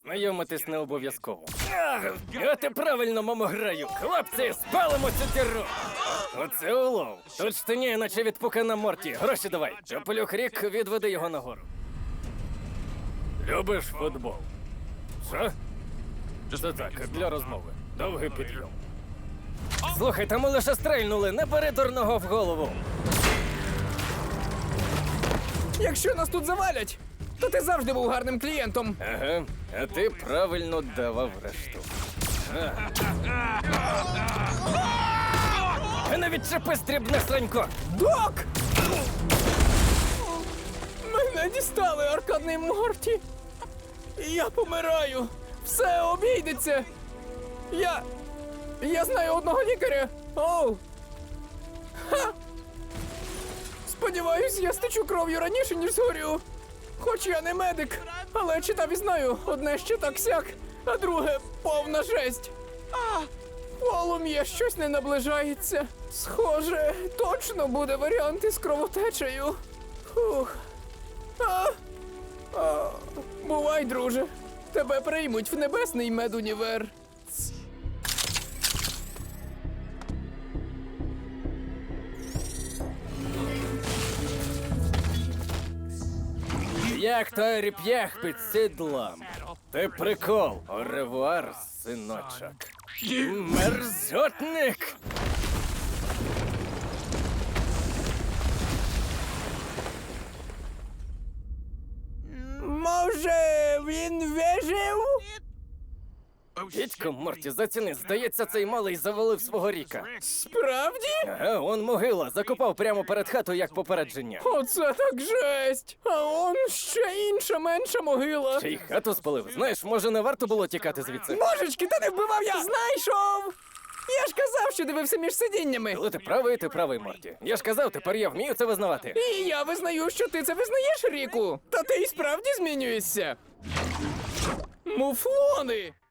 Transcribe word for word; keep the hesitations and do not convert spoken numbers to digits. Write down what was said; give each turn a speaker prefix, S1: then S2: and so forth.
S1: Знайомитись не обов'язково. Ах, от і правильно, мамо, граю. Хлопці, спалимо цю діру. Оце улов. Тут штиніє, наче від пукана Морті. Гроші давай. Чопелюх Рік, відведи його нагору. Любиш футбол? Що? Це так, для розмови. Довгий підйом. Слухай, та ми лише стрельнули, не бери дурного в голову.
S2: Якщо нас тут завалять, то ти завжди був гарним клієнтом.
S1: Ага, а ти правильно давав решту. Не відчепи, стрібне сранько!
S2: Док! Мене дістали, аркадний Морті. Я помираю. Все обійдеться. Я... Я знаю одного лікаря. Оу. Ха! Сподіваюсь, я стечу кров'ю раніше, ніж згорю. Хоч я не медик, але читав і знаю, одне ще так сяк, а друге повна жесть. А, полум'я щось не наближається. Схоже, точно буде варіант із кровотечею. Фух. А, а, бувай, друже. Тебе приймуть в небесний медунівер.
S1: Як той реп'ях під сідлом. Ти прикол. Оревуар, синочок. Мерзотник!
S2: Може, він вижив?
S1: Дідько, Морті, заціни, здається, цей малий завалив свого Ріка.
S2: Справді?
S1: Ага, он могила, закопав прямо перед хатою як попередження.
S2: Оце так жесть! А он ще інша менша могила.
S1: Ще й хату спалив. Знаєш, може, не варто було тікати звідси?
S2: Божечки, та не вбивав я! Знайшов! Я ж казав, що дивився між сидіннями.
S1: Але ти правий, ти правий, Морті. Я ж казав, тепер я вмію це визнавати.
S2: І я визнаю, що ти це визнаєш, Ріку. Та ти і справді змінюєшся. Муфлони!